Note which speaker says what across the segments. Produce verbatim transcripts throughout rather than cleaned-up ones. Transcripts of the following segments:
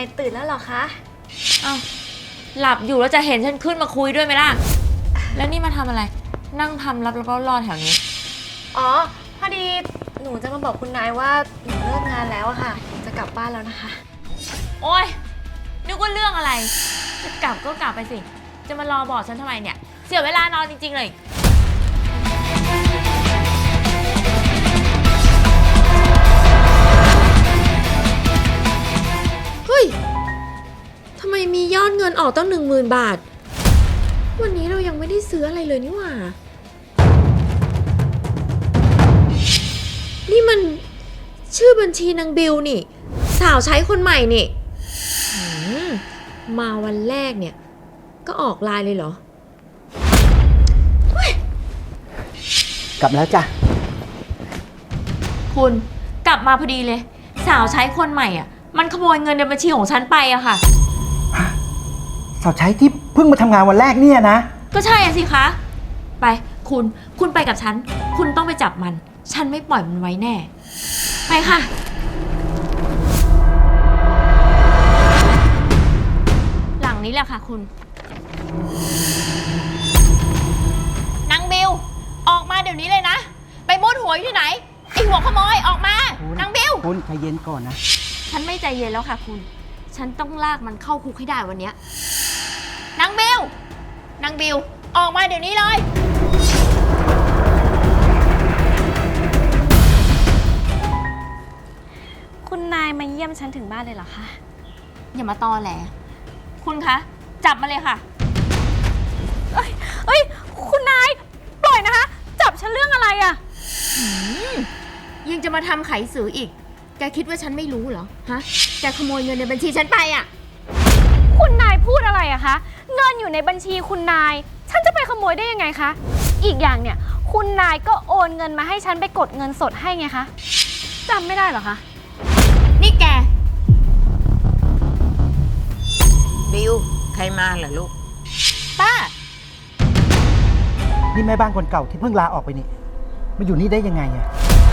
Speaker 1: ตื่นแล้วเหรอคะ
Speaker 2: อ้าวหลับอยู่แล้วจะเห็นฉันขึ้นมาคุยด้วยไหมล่ะแล้วนี่มาทำอะไรนั่งทำรับแล้วก็รอแถวนี้
Speaker 1: อ๋อพอดีหนูจะมาบอกคุณนายว่าหนูเลิกงานแล้วอะค่ะจะกลับบ้านแล้วนะคะ
Speaker 2: โอ๊ยนึกว่าเรื่องอะไรจะกลับก็กลับไปสิจะมารอบอกฉันทำไมเนี่ยเสียเวลานอนจริงๆเลย
Speaker 3: เฮ้ยทำไมมียอดเงินออกตั้งหนึ่งหมื่นบาทวันนี้เรายังไม่ได้ซื้ออะไรเลยนี่หว่านี่มันชื่อบัญชีนางบิวนี่สาวใช้คนใหม่นี่มาวันแรกเนี่ยก็ออกไลน์เลยเหรอก
Speaker 4: ลับแล้วจ้ะ
Speaker 2: คุณกลับมาพอดีเลยสาวใช้คนใหม่อ่ะมันขโมยเงินในบัญชีของฉันไปอะค่ะ
Speaker 4: สาวใช้ที่เพิ่งมาทำงานวันแรกเนี่ยนะ
Speaker 2: ก็ใช่สิคะไปคุณคุณไปกับฉันคุณต้องไปจับมันฉันไม่ปล่อยมันไว้แน่ไปค่ะหลังนี้แหละค่ะคุณนางบิวออกมาเดี๋ยวนี้เลยนะไปมุดหัวอยู่ที่ไหนไอหัวขโมยออกมานางบิว
Speaker 4: คุณใจเย็นก่อนนะ
Speaker 2: ฉันไม่ใจเย็นแล้วค่ะคุณฉันต้องลากมันเข้าคุกให้ได้วันนี้นางบิวนางบิวออกมาเดี๋ยวนี้เลย
Speaker 1: คุณนายมาเยี่ยมฉันถึงบ้านเลยเหรอคะ
Speaker 2: อย่ามาตอแหลคุณคะจับมาเลยค่ะ
Speaker 1: เอ้ยเอ้ยคุณนายปล่อยนะคะจับฉันเรื่องอะไรอะ
Speaker 2: ยังจะมาทำไขสืออีกแกคิดว่าฉันไม่รู้เหรอฮะแกขโมยเงินในบัญชีฉันไปอะ
Speaker 1: คุณนายพูดอะไรอะคะเงินอยู่ในบัญชีคุณนายฉันจะไปขโมยได้ยังไงคะอีกอย่างเนี่ยคุณนายก็โอนเงินมาให้ฉันไปกดเงินสดให้ไงคะจำไม่ได้เหรอคะ
Speaker 2: นี่แก
Speaker 5: บิวใครมาเหรอลูก
Speaker 2: ป้า
Speaker 4: นี่แม่บ้านคนเก่าที่เพิ่งลาออกไปนี่มาอยู่นี่ได้ยังไงอะ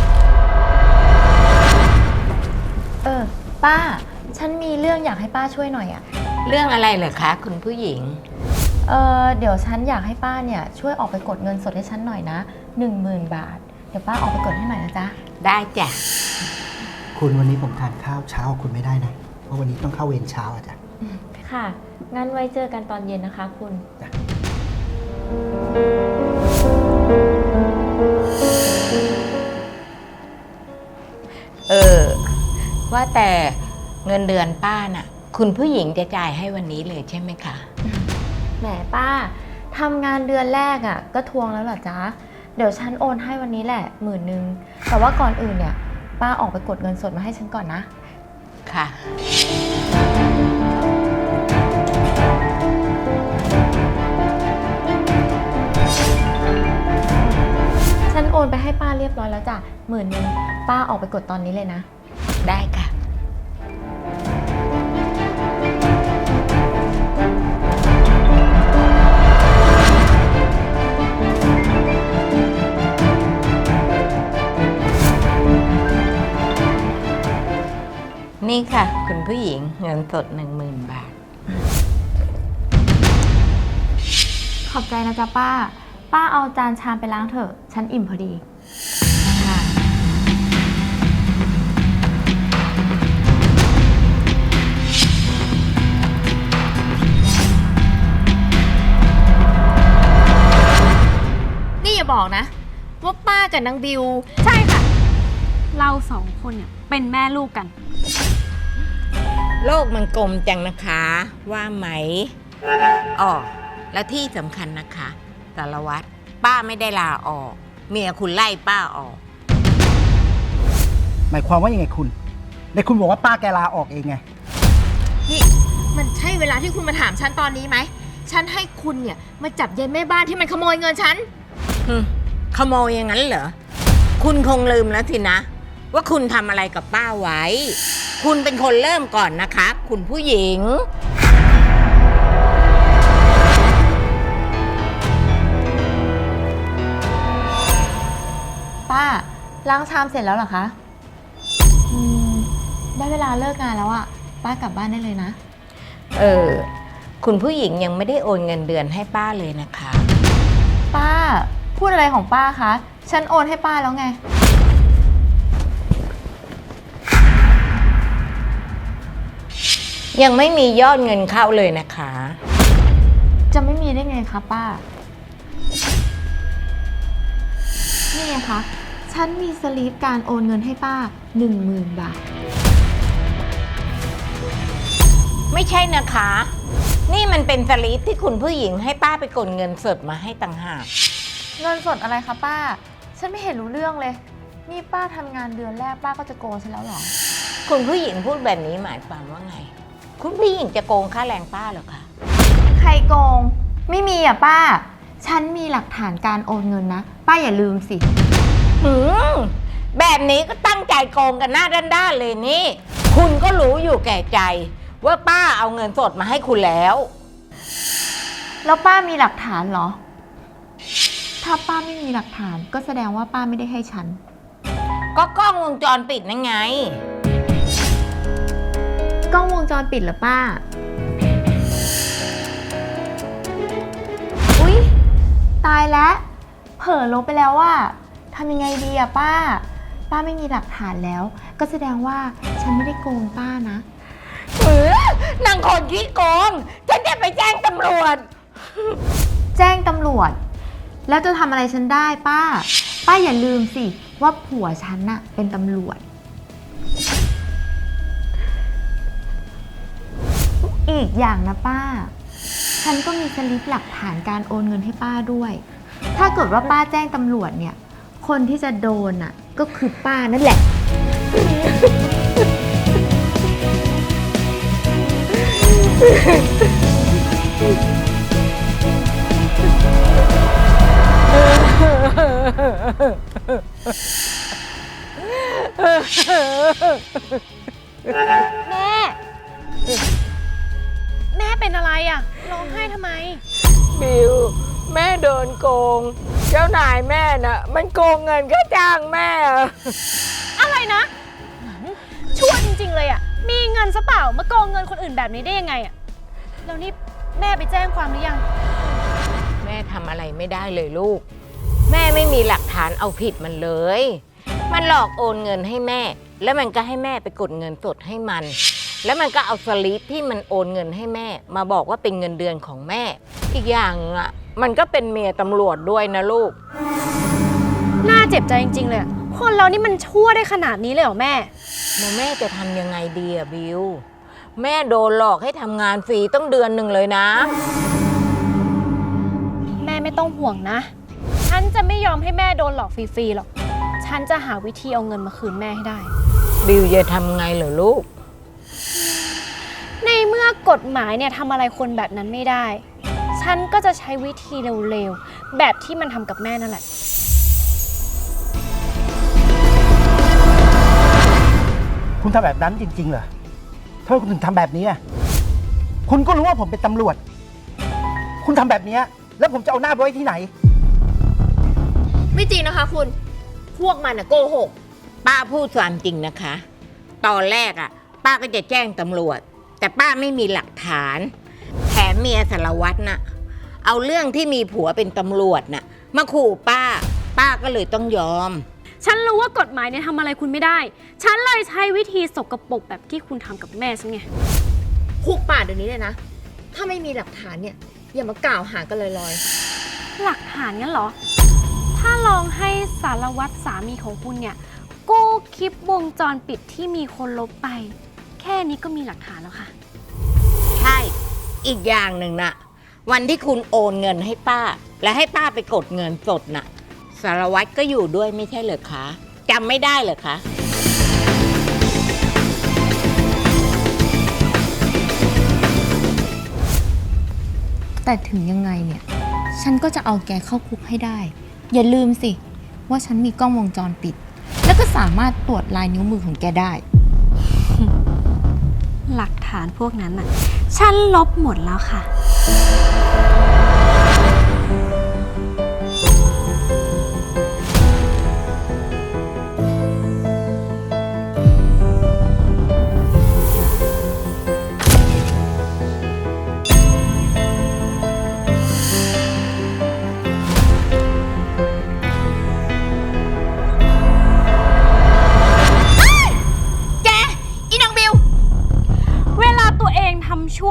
Speaker 3: เออป้าฉันมีเรื่องอยากให้ป้าช่วยหน่อยอะ
Speaker 5: เรื่องอะไรเหรอคะคุณผู้หญิง
Speaker 3: เออเดี๋ยวฉันอยากให้ป้าเนี่ยช่วยออกไปกดเงินสดให้ฉันหน่อยนะหนึ่งหมื่นบาทเดี๋ยวป้าออกไปกดให้หน่อยนะจ๊ะ
Speaker 5: ได้จ้ะ
Speaker 4: คุณวันนี้ผมทานข้าวเช้าคุณไม่ได้นะเพราะวันนี้ต้องเข้าเวรเช้าอะจ้ะ
Speaker 3: ค่ะงั้นไว้เจอกันตอนเย็นนะคะคุณจ้ะ
Speaker 5: เออว่าแต่เงินเดือนป้าน่ะคุณผู้หญิงจะจ่ายให้วันนี้เลยใช่ไหมคะ
Speaker 3: แหมป้าทำงานเดือนแรกอ่ะก็ทวงแล้วเหรอจ๊ะเดี๋ยวฉันโอนให้วันนี้แหละหมื่นนึงแต่ว่าก่อนอื่นเนี่ยป้าออกไปกดเงินสดมาให้ฉันก่อนนะ
Speaker 5: ค่ะ
Speaker 3: ฉันโอนไปให้ป้าเรียบร้อยแล้วจ้ะหมื่นนึงป้าออกไปกดตอนนี้เลยนะ
Speaker 5: ได้ค่ะนี่ค่ะคุณผู้หญิงเงินสดหนึ่งหมื่นบาท
Speaker 3: ขอบใจนะจ๊ะป้าป้าเอาจานชามไปล้างเถอะฉันอิ่มพอดี
Speaker 5: ค่ะ
Speaker 2: นี่อย่าบอกนะว่าป้ากับนางบิว
Speaker 1: ใช่ค่ะเราสองคนเนี่ยเป็นแม่ลูกกัน
Speaker 5: โลกมันกลมจังนะคะว่าไหมอ๋อและที่สำคัญนะคะสารวัตรป้าไม่ได้ลาออกเมียคุณไล่ป้าออก
Speaker 4: หมายความว่ายังไงคุณในคุณบอกว่าป้าแกลาออกเองไง
Speaker 2: นี่มันใช่เวลาที่คุณมาถามฉันตอนนี้ไหมฉันให้คุณเนี่ยมาจับยายแม่บ้านที่มันขโมยเงินฉัน
Speaker 5: ขโมยอย่างนั้นเหรอคุณคงลืมแล้วสินะว่าคุณทำอะไรกับป้าไว้คุณเป็นคนเริ่มก่อนนะคะคุณผู้หญิง
Speaker 3: ป้าล้างชามเสร็จแล้วเหรอคะอืมได้เวลาเลิกงานแล้วอะป้ากลับบ้านได้เลยนะ
Speaker 5: เออ คุณผู้หญิงยังไม่ได้โอนเงินเดือนให้ป้าเลยนะคะ
Speaker 3: ป้า พูดอะไรของป้าคะ ฉันโอนให้ป้าแล้วไง
Speaker 5: ยังไม่มียอดเงินเข้าเลยนะคะ
Speaker 3: จะไม่มีได้ไงคะป้า นี่ไงคะ ฉันมีสลิปการโอนเงินให้ป้า หนึ่งหมื่น บาท
Speaker 5: ไม่ใช่นะคะ นี่มันเป็นสลิปที่คุณผู้หญิงให้ป้าไปกดเงินสดมาให้ต่างหาก
Speaker 3: เงินสดอะไรคะป้า ฉันไม่เห็นรู้เรื่องเลย นี่ป้าทำงานเดือนแรกป้าก็จะโกงฉันแล้วเหรอ
Speaker 5: คุณผู้หญิงพูดแบบนี้หมายความว่าไง คุณผู้หญิงจะโกงค่าแรงป้าเหรอคะ
Speaker 3: ใครโกง ไม่มีอ่ะป้า ฉันมีหลักฐานการโอนเงินนะ ป้าอย่าลืมสิ
Speaker 5: หืมแบบนี้ก็ตั้งใจโกงกันหน้าด้านๆเลยนี่ คุณก็รู้อยู่แก่ใจ ว่าป้าเอาเงินสดมาให้คุณแล้ว
Speaker 3: แล้วป้ามีหลักฐานเหรอ ถ้าป้าไม่มีหลักฐานก็แสดงว่าป้าไม่ได้ให้ฉัน
Speaker 5: ก็กล้องวงจรปิดนั่นไง
Speaker 3: กล้องวงจรปิดเหรอป้า อุ๊ย ตายแล้ว เผลอลบไปแล้วว่าทำยังไงดีอะป้า ป้าไม่มีหลักฐานแล้ว ก็แสดงว่าฉันไม่ได้โกงป้านะ
Speaker 5: เออนางคนขี้โกง ฉันจะไปแจ้งตำรวจ
Speaker 3: แจ้งตำรวจ แล้วจะทำอะไรฉันได้ป้า ป้าอย่าลืมสิว่าผัวฉันน่ะเป็นตำรวจ อีกอย่างนะป้า ฉันก็มีสลิปหลักฐานการโอนเงินให้ป้าด้วย ถ้าเกิดว่าป้าแจ้งตำรวจเนี่ย คนที่จะโดนน่ะก็คือป้านั่นแหละ
Speaker 1: แม่ แม่เป็นอะไรอะร้องไห้ทำไม
Speaker 5: บิว แม่โดนโกง เจ้านายแม่น่ะ มันโกงเงินค่าจ้างแม่
Speaker 1: อะไรนะชั่วจริงๆเลยอะมีเงินซะเปล่ามาโกงเงินคนอื่นแบบนี้ได้ยังไงอะแล้วนี่แม่ไปแจ้งความหรือยัง
Speaker 5: แม่ทำอะไรไม่ได้เลยลูก แม่ไม่มีหลักฐานเอาผิดมันเลย มันหลอกโอนเงินให้แม่ แล้วมันก็ให้แม่ไปกดเงินสดให้มัน แล้วมันก็เอาสลิปที่มันโอนเงินให้แม่ มาบอกว่าเป็นเงินเดือนของแม่ อีกอย่างอ่ะมันก็เป็นเมียตำรวจด้วยนะลูก
Speaker 1: น่าเจ็บใจจริงๆเลยอะคนเรานี่มันชั่วได้ขนาดนี้เลยเหรอแม่
Speaker 5: แล้วแม่จะทำยังไงดีอะบิว แม่โดนหลอกให้ทำงานฟรีต้องเดือนหนึ่งเลยนะ
Speaker 1: แม่ไม่ต้องห่วงนะ ฉันจะไม่ยอมให้แม่โดนหลอกฟรีๆหรอก ฉันจะหาวิธีเอาเงินมาคืนแม่ให้ได้
Speaker 5: บิวจะทำไงเหรอลูก
Speaker 1: ในเมื่อกฎหมายเนี่ยทำอะไรคนแบบนั้นไม่ได้ ฉันก็จะใช้วิธีเร็วๆ แบบที่มันทำกับแม่นั่นแหละ
Speaker 4: คุณทำแบบนั้นจริงๆเหรอทำไมคุณถึงทำแบบนี้อ่ะคุณก็รู้ว่าผมเป็นตำรวจ คุณทำแบบนี้แล้วผมจะเอาหน้าไปไว้ที่ไหน
Speaker 2: ไม่จริงนะคะคุณ พวกมันอะโกหก
Speaker 5: ป้าพูดความจริงนะคะ ตอนแรกอ่ะ ป้าก็จะแจ้งตำรวจ แต่ป้าไม่มีหลักฐาน แถมเมียสารวัตรน่ะ เอาเรื่องที่มีผัวเป็นตำรวจน่ะ มาขู่ป้า ป้าก็เลยต้องยอม
Speaker 1: ฉันรู้ว่ากฎหมายเนี่ยทำอะไรคุณไม่ได้ ฉันเลยใช้วิธีสกปรกแบบที่คุณทำกับแม่ฉันไง
Speaker 2: คุกป่าเดี๋ยวนี้เลยนะ ถ้าไม่มีหลักฐานเนี่ย อย่ามากล่าวหากันลอย
Speaker 1: หลักฐานงั้นเหรอ ถ้าลองให้สารวัตรสามีของคุณเนี่ยกู้คลิปวงจรปิดที่มีคนลบไป แค่นี้ก็มีหลักฐานแล้วค่ะ
Speaker 5: ใช่ อีกอย่างหนึ่งน่ะ วันที่คุณโอนเงินให้ป้า และให้ป้าไปกดเงินสดน่ะ สารวัตรก็อยู่ด้วยไม่ใช่เหรอคะจำไม่ได้เหรอคะ
Speaker 3: แต่ถึงยังไงเนี่ย ฉันก็จะเอาแกเข้าคุกให้ได้ อย่าลืมสิ ว่าฉันมีกล้องวงจรปิด แล้วก็สามารถตรวจลายนิ้วมือของแกได้
Speaker 1: หลักฐานพวกนั้นน่ะ ฉันลบหมดแล้วค่ะ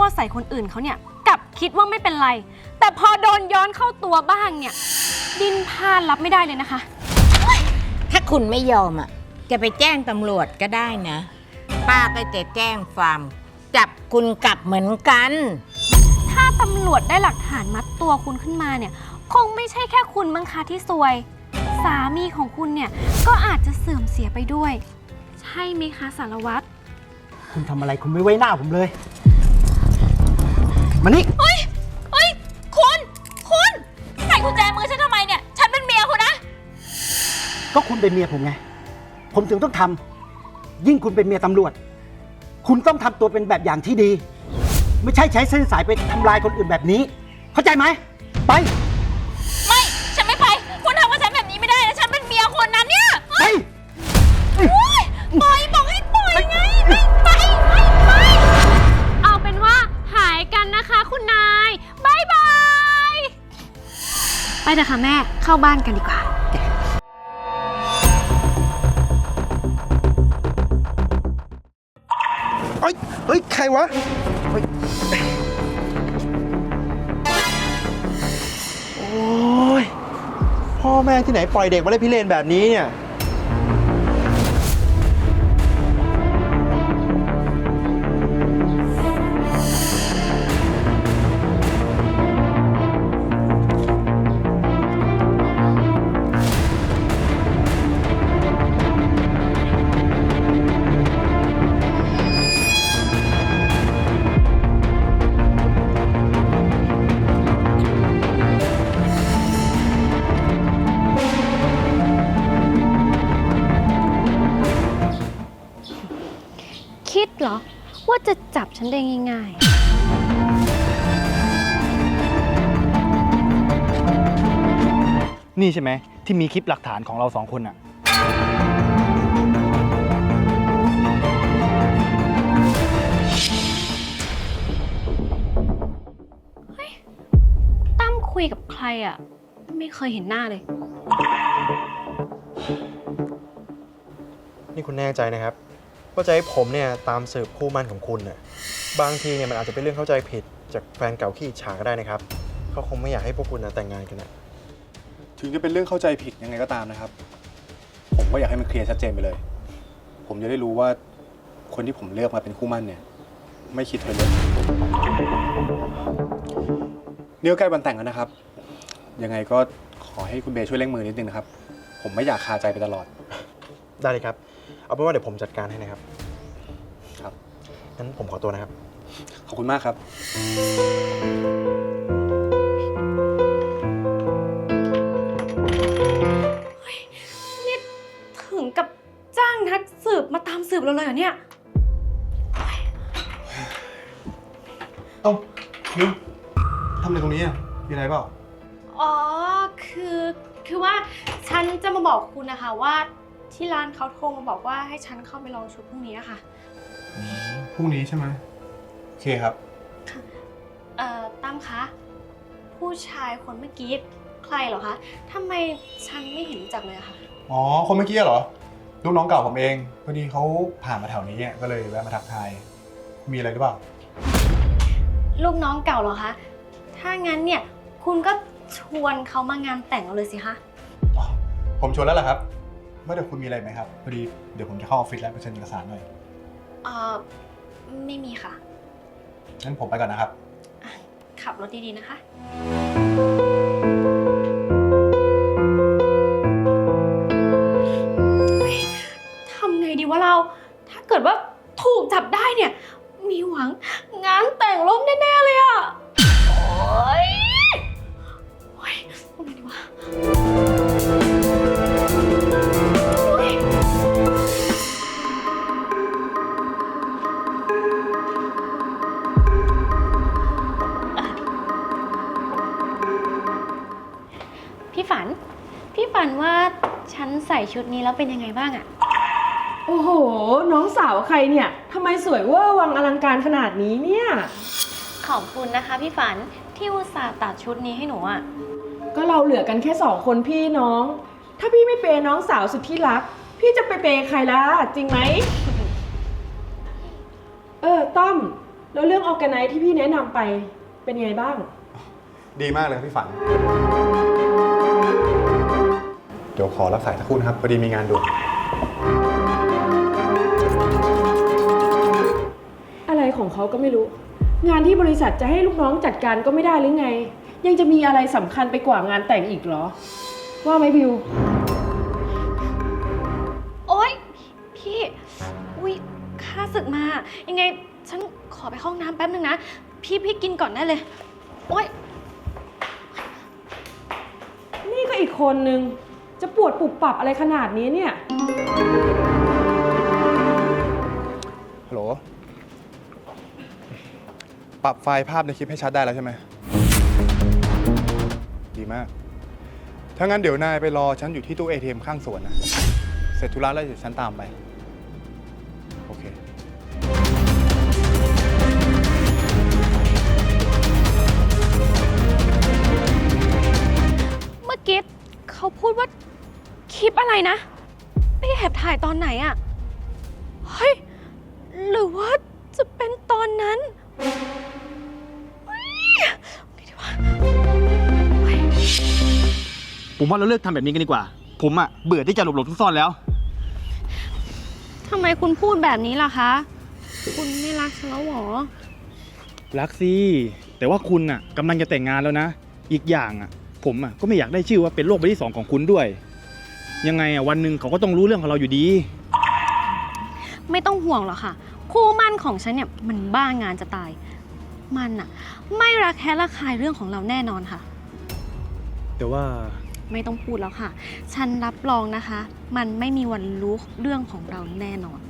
Speaker 1: วใส่คนอื่นเขาเนี่ยกลับคิดว่าไม่เป็นไร แต่พอโดนย้อนเข้าตัวบ้างเนี่ยดิ้นพลาดรับไม่ได้เลยนะคะ
Speaker 5: ถ้าคุณไม่ยอมอ่ะจะไปแจ้งตำรวจก็ได้นะ ป้าก็จะแจ้งความจับคุณกลับเหมือนกัน
Speaker 1: ถ้าตำรวจได้หลักฐานมัดตัวคุณขึ้นมาเนี่ยคงไม่ใช่แค่คุณมั้งคะที่ซวย สามีของคุณเนี่ยก็อาจจะเสื่อมเสียไปด้วย ใช่ไหมคะสารวัตร
Speaker 4: คุณทำอะไรคุณไม่ไว้หน้าผมเลย มานี่
Speaker 2: เฮ้ย เฮ้ย คุณ คุณ ใส่กุญแจมือฉันทำไมเนี่ย ฉันเป็นเมียคุณนะ
Speaker 4: ก็คุณเป็นเมียผมไง ผมถึงต้องทำ ยิ่งคุณเป็นเมียตำรวจ คุณต้องทำตัวเป็นแบบอย่างที่ดี ไม่ใช่ใช้เส้นสายไปทำลายคนอื่นแบบนี้ เข้าใจไหม ไป
Speaker 2: ไม่ ฉันไม่ไป คุณทำกับฉันแบบนี้ไม่ได้นะ ฉันเป็นเมียคนนั้นเนี่ย
Speaker 4: ไป
Speaker 2: ปล่อยบอกให้ปล่อยไง ไม่ไป ไม่ไป
Speaker 1: เอาเป็นว่าหายกันนะคะคุณนายบายบาย ไปเถอะค่ะแม่เข้าบ้านกันดีกว่า
Speaker 6: เฮ้ย เฮ้ย ใครวะเฮ้ยโอ้ย พ่อแม่ที่ไหนปล่อยเด็กมาเล่นพิเรนแบบนี้เนี่ย
Speaker 1: คิดเหรอว่าจะจับฉันได้ง่ายๆ
Speaker 7: นี่ใช่ไหมที่มีคลิปหลักฐานของเราสองคนอะ
Speaker 1: ตั้มคุยกับใครอ่ะ ไม่เคยเห็นหน้าเลย
Speaker 6: นี่คุณแน่ใจนะครับว่าจะให้ผมเนี่ยตามสืบคู่มั่นของคุณน่ะบางทีเนี่ยมันอาจจะเป็นเรื่องเข้าใจผิดจากแฟนเก่าขี้อิจฉาก็ได้นะครับเขาคงไม่อยากให้พวกคุณนะแต่งงานกันนะ
Speaker 8: ถึงจะเป็นเรื่องเข้าใจผิดยังไงก็ตามนะครับ ผมก็อยากให้มันเคลียร์ชัดเจนไปเลย ผมจะได้รู้ว่าคนที่ผมเลือกมาเป็นคู่มั่นเนี่ย ไม่คิดเธอเลยนี่ก็ใกล้วันแต่งแล้วนะครับ ยังไงก็ขอให้คุณเบย์ช่วยเร่งมือนิดนึงนะครับ ผมไม่อยากคาใจไปตลอด
Speaker 6: ได้เลยครับเอาเป็นว่าเดี๋ยวผมจัดการให้นะครับ
Speaker 8: ครับ
Speaker 6: งั้นผมขอตัวนะครับ
Speaker 8: ขอบคุณมากครับ
Speaker 1: ถึงกับจ้างนักสืบมาตามสืบเราเลยเหรอเนี่ย
Speaker 8: เอ้านิวทำอะไรตรงนี้อ่ะ มีอะไรเปล่า
Speaker 1: อ๋อ คือ คือว่าฉันจะมาบอกคุณนะคะว่าที่ร้านเขาโทรมาบอกว่าให้ฉันเข้าไปลองชุดพรุ่งนี้อะค่ะ
Speaker 8: พรุ่งนี้ใช่ไหมโอเคครับ
Speaker 1: เอ่อตั้มคะ ผู้ชายคนเมื่อกี้ใครเหรอคะทำไมฉันไม่เห็นรู้จักเลยอะคะ
Speaker 8: อ๋อ คนเมื่อกี้เหรอ ลูกน้องเก่าผมเอง พอดีเขาผ่านมาแถวนี้เนี่ยก็เลยแวะมาทักทาย มีอะไรหรือเปล่า
Speaker 1: ลูกน้องเก่าเหรอคะ ถ้างั้นเนี่ยคุณก็ชวนเขามางานแต่งเราเลยสิคะ
Speaker 8: อ๋อ ผมชวนแล้วแหละครับว่าเดี๋ยวคุณมีอะไรไหมครับ พอดีเดี๋ยวผมจะเข้าออฟฟิศแล้วไปเซ็นเอกสารหน่อย
Speaker 1: เอ่อ ไม่มีค่ะ
Speaker 8: งั้นผมไปก่อนนะครับ
Speaker 1: ขับรถดีๆนะคะ ทำไงดีวะเรา ถ้าเกิดว่าถูกจับได้เนี่ย มีหวังงานแต่งล่มแน่ๆเลยอะโอ๊ยโอ๊ยทำไงดีวะโอ๊ยพี่ฝัน พี่ฝันว่าฉันใส่ชุดนี้แล้วเป็นยังไงบ้างอะ
Speaker 9: โอ้โห น้องสาวใครเนี่ย ทำไมสวยเวอร์วังอลังการขนาดนี้เนี่ย
Speaker 1: ขอบคุณนะคะพี่ฝันที่อุตส่าห์ตัดชุดนี้ให้หนูอะ
Speaker 9: ก็เราเหลือกันแค่สองคนพี่น้อง ถ้าพี่ไม่เปย์น้องสาวสุดที่รัก พี่จะไปเปย์ใครล่ะ จริงไหม เออต้อมแล้วเรื่องออร์แกไนซ์ที่พี่แนะนำไปเป็นไงบ้าง
Speaker 8: ดีมากเลยครับพี่ฝัน เดี๋ยวขอรับสายสักครู่นะครับ พอดีมีงานด่วน
Speaker 9: อะไรของเขาก็ไม่รู้ งานที่บริษัทจะให้ลูกน้องจัดการก็ไม่ได้หรือไง ยังจะมีอะไรสำคัญไปกว่างานแต่งอีกเหรอ ว่าไหมบิว
Speaker 1: โอ๊ย พี่ อุ๊ยข้าศึกมา ยังไงฉันขอไปเข้าห้องน้ำแป๊บนึงนะ พี่พี่กินก่อนได้เลย โอ๊ย
Speaker 9: นี่ก็อีกคนนึง จะปวดปุบปับอะไรขนาดนี้เนี่ย
Speaker 8: ฮัลโหล ปรับไฟล์ภาพในคลิปให้ชัดได้แล้วใช่ไหม ดีมาก ถ้างั้นเดี๋ยวนายไปรอฉันอยู่ที่ตู้ เอ ที เอ็ม ข้างสวนนะ เสร็จธุระแล้วเดี๋ยวฉันตามไป โอเค
Speaker 1: เมื่อกี้เขาพูดว่าคลิปอะไรนะไปแอบถ่ายตอนไหนอะเฮ้ย หรือว่าจะเป็นตอนนั้นเฮ้ยไงดีวะเฮ้ย
Speaker 7: ผมว่าเราเลิกทำแบบนี้กันดีกว่า ผมอะเบื่อที่จะหลบๆซ่อนๆแล้ว
Speaker 1: ทำไมคุณพูดแบบนี้ล่ะคะ คุณไม่รักฉันแล้วหรอ
Speaker 7: รักสิแต่ว่าคุณอะกำลังจะแต่งงานแล้วนะ อีกอย่างอะผมอะก็ไม่อยากได้ชื่อว่าเป็นโรคใบที่สองของคุณด้วย ยังไงอะวันหนึ่งเขาก็ต้องรู้เรื่องของเราอยู่ดี
Speaker 1: ไม่ต้องห่วงหรอกค่ะ คู่มั่นของฉันเนี่ยมันบ้างานจะตาย มันอะไม่รักแค่ระคายเรื่องของเราแน่นอนค่ะ
Speaker 7: แต่ว่า
Speaker 1: ไม่ต้องพูดแล้วค่ะ ฉันรับรองนะคะ มันไม่มีวันรู้เรื่องของเราแน่นอน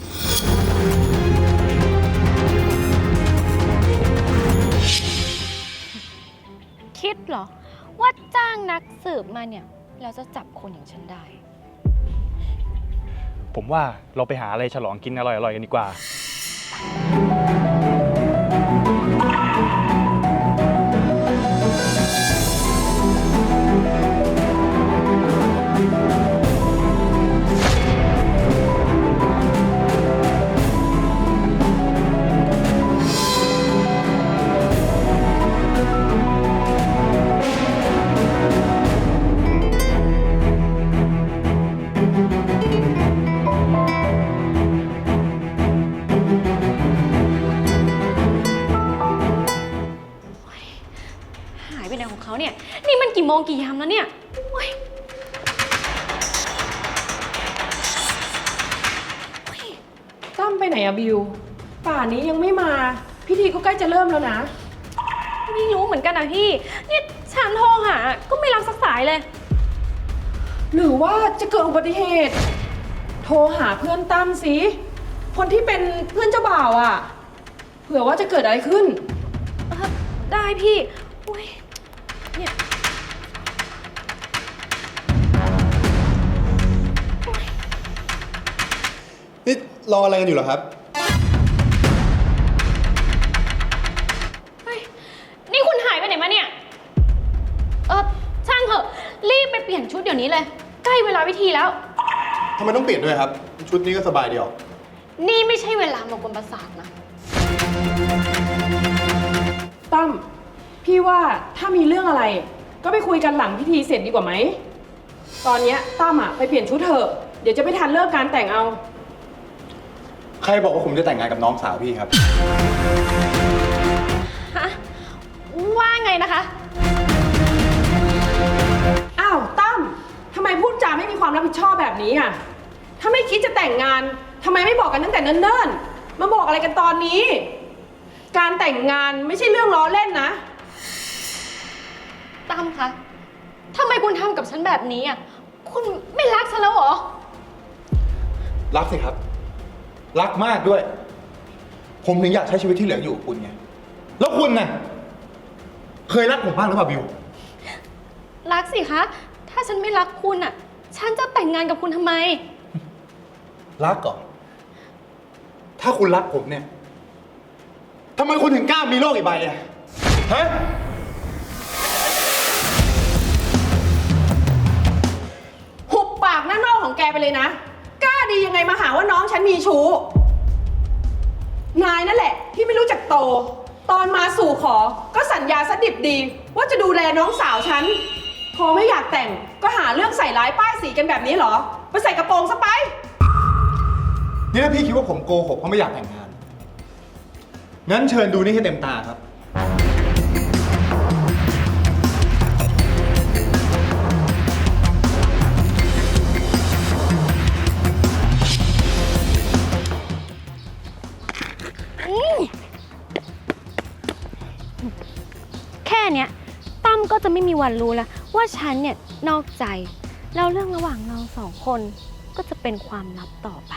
Speaker 1: คิดเหรอ ว่าจ้างนักสืบมาเนี่ยเราจะจับคนอย่างฉันได้
Speaker 7: ผมว่าเราไปหาอะไรฉลองกินอร่อยๆกันดีกว่า
Speaker 1: หายไปไหนของเขาเนี่ย นี่มันกี่โมงกี่ยามแล้วเนี่ยโอ๊ยโอ๊ย
Speaker 9: ตั้มไปไหนอะบิว ป่านนี้ยังไม่มา พิธีก็ใกล้จะเริ่มแล้วนะ
Speaker 1: ไม่รู้เหมือนกันนะพี่ นี่ฉันโทรหา ก็ไม่รับสักสายเลย
Speaker 9: หรือว่าจะเกิดอุบัติเหตุ โทรหาเพื่อนตั้มสิ คนที่เป็นเพื่อนเจ้าบ่าวอะเผื่อว่าจะเกิดอะไรขึ้น
Speaker 1: เอ่อได้พี่โอ๊ยเนี่ย
Speaker 8: นี่รออะไรกันอยู่เหรอครับ
Speaker 1: เฮ้ย นี่คุณหายไปไหนมาเนี่ย เออช่างเถอะ รีบไปเปลี่ยนชุดเดี๋ยวนี้เลย ใกล้เวลาพิธีแล้ว
Speaker 8: ทำไมต้องเปลี่ยนด้วยครับ ชุดนี้ก็สบายดีออก
Speaker 1: นี่ไม่ใช่เวลามากวนประสาทนะ
Speaker 9: ตั้ม พี่ว่าถ้ามีเรื่องอะไร ก็ไปคุยกันหลังพิธีเสร็จดีกว่าไหม ตอนเนี้ยตั้มอะไปเปลี่ยนชุดเถอะ เดี๋ยวจะไม่ทันเลิกการแต่งเอา
Speaker 8: ใครบอกว่าผมจะแต่งงานกับน้องสาวพี่ครับ
Speaker 1: ฮะ ว่าไงนะคะ
Speaker 9: อ้าวตั้มทำไมพูดจาไม่มีความรับผิดชอบแบบนี้อ่ะ ถ้าไม่คิดจะแต่งงานทำไมไม่บอกกันตั้งแต่เนิ่นๆ มาบอกอะไรกันตอนนี้ การแต่งงานไม่ใช่เรื่องล้อเล่นนะ
Speaker 1: ตั้มคะทำไมคุณทำกับฉันแบบนี้อ่ะ คุณไม่รักฉันแล้วเหรอ
Speaker 8: รักสิครับ รักมากด้วย ผมถึงอยากใช้ชีวิตที่เหลืออยู่กับคุณไง แล้วคุณน่ะ เคยรักผมบ้างหรือเปล่าบิว
Speaker 1: รักสิคะ ถ้าฉันไม่รักคุณอ่ะ ฉันจะแต่งงานกับคุณทำไม
Speaker 8: รักก่อน ถ้าคุณรักผมเนี่ย ทำไมคุณถึงกล้ามีโลกอีกใบอะฮะ
Speaker 9: หุบปากหน้าโน่ของแกไปเลยนะ กล้าดียังไงมาหาว่าน้องฉันมีชู้ นายนั่นแหละที่ไม่รู้จักโตโต ตอนมาสู่ขอก็สัญญาสดิบดี ว่าจะดูแลน้องสาวฉัน พอไม่อยากแต่งก็หาเรื่องใส่ร้ายป้ายสีกันแบบนี้เหรอ ไปใส่กระโปรงซะไป
Speaker 8: นี่ถ้าพี่คิดว่าผมโกหกเพราะไม่อยากแต่งงาน งั้นเชิญดูนี่ให้เต็มตาครับ
Speaker 1: แค่เนี้ยตั้มก็จะไม่มีวันรู้แล้วว่าฉันเนี่ยนอกใจ แล้วเรื่องระหว่างเราสองคนก็จะเป็นความลับต่อไป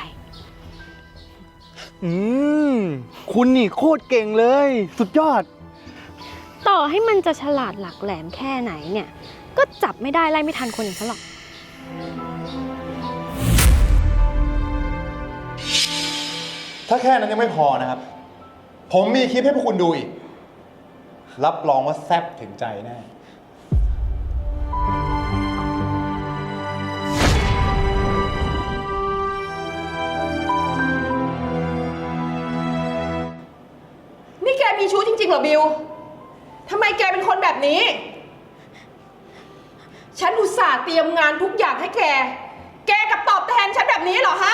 Speaker 7: อืม คุณนี่โคตรเก่งเลย สุดยอด
Speaker 1: ต่อให้มันจะฉลาดหลักแหลมแค่ไหนเนี่ย ก็จับไม่ได้ไล่ไม่ทันคนอย่างฉันหรอก
Speaker 8: ถ้าแค่นั้นยังไม่พอนะครับ ผมมีคลิปให้พวกคุณดูอีก รับรองว่าแซ่บถึงใจแน่
Speaker 9: นี่แกมีชู้จริงๆเหรอบิว ทำไมแกเป็นคนแบบนี้ ฉันอุตส่าห์เตรียมงานทุกอย่างให้แก แกกลับตอบแทนฉันแบบนี้เหรอฮะ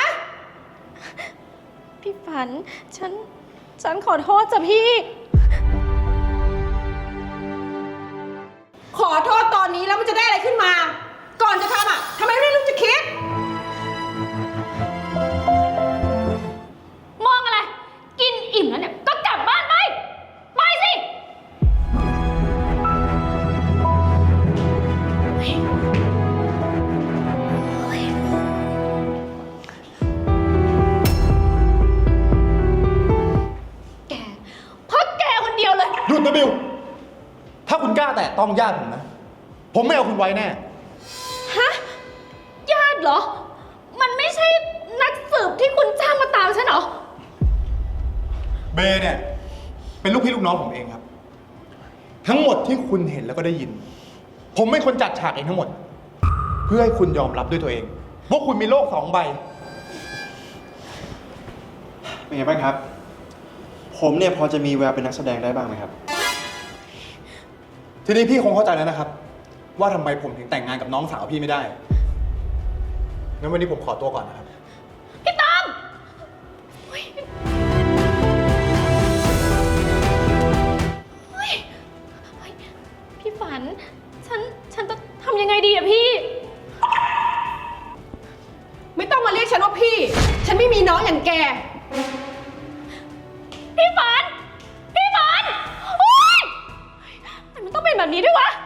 Speaker 1: พี่ฝัน ฉัน ฉันขอโทษจ้ะพี่
Speaker 9: ขอโทษตอนนี้แล้วมันจะได้อะไรขึ้นมา ก่อนจะทำอ่ะทำไมไม่รู้จะคิด
Speaker 1: มองอะไร กินอิ่มแล้วเนี่ย ก็กลับบ้านไป ไปสิ แกเพราะแกคนเดียวเลย
Speaker 8: หยุดนะบิว ถ้าคุณกล้าแตะต้องญาติผมนะ ผมไม่เอาคุณไว้แน่
Speaker 1: ฮะ ญาติเหรอ มันไม่ใช่นักสืบที่คุณจ้างมาตามฉันเหรอ
Speaker 8: เบย์เนี่ย เป็นลูกพี่ลูกน้องผมเองครับ ทั้งหมดที่คุณเห็นแล้วก็ได้ยิน ผมเป็นคนจัดฉากเองทั้งหมด เพื่อให้คุณยอมรับด้วยตัวเองว่าคุณมีโลกสองใบ
Speaker 6: เป็นไงบ้างครับ ผมเนี่ยพอจะมีแววเป็นนักแสดงได้บ้างไหมครับ
Speaker 8: ทีนี้พี่คงเข้าใจแล้วนะครับ ว่าทำไมผมถึงแต่งงานกับน้องสาวพี่ไม่ได้ งั้นวันนี้ผมขอตัวก่อนนะครับ
Speaker 1: พี่ตั้มเฮ้ยเฮ้ยเฮ้ยพี่ฝัน ฉัน ฉันจะทำยังไงดีอะพี่
Speaker 9: ไม่ต้องมาเรียกฉันว่าพี่ ฉันไม่มีน้องอย่างแก
Speaker 1: พี่ฝัน พี่ฝัน โอ๊ยทำไมมันต้องเป็นแบบนี้ด้วยวะ